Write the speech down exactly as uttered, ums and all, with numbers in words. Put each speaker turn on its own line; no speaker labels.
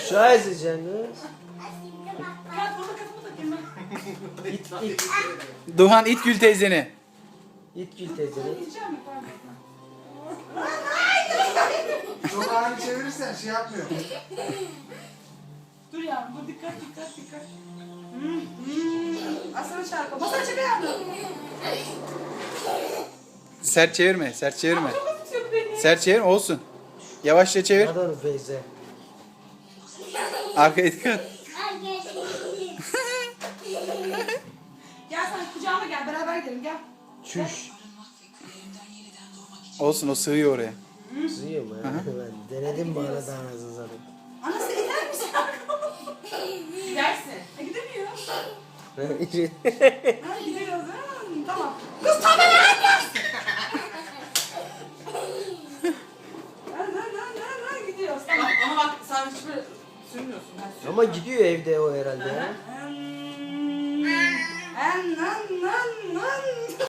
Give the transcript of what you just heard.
Scheiße canım.
Kat bana kafamı takayım ben.
İt it.
Duhan it Gül teyzeni.
İt Gül teyzeni.
Gideceğim mi? Pardon.
Çok ani çevirirsen şey yapmıyor.
Dur yavrum, dur dikkat dikkat dikkat. Hmm, hmm. Asana çarpı. Masaya çek ayağını.
Sert çevirme, sert çevirme.
Çok tutuyor beni.
Sert çevirme olsun. Yavaşça çevir.
Hadi onu Feyze.
Arkaya dikkat.
Gel sen kucağıma gel, beraber gidelim gel.
Çüş.
Olsun o sığıyor oraya.
Sıyım ha. Ben denedim bu arada anasını satayım.
Anası gider misin? Gidersin. E gidemiyor. Ha gidiyoruz. Ha, tamam. Kız tabi lan kız. Lan lan lan lan lan gidiyoruz. Tamam ama bak sen hiç böyle sürmüyorsun. Ben
Ama gidiyor evde o herhalde ya.
Ha,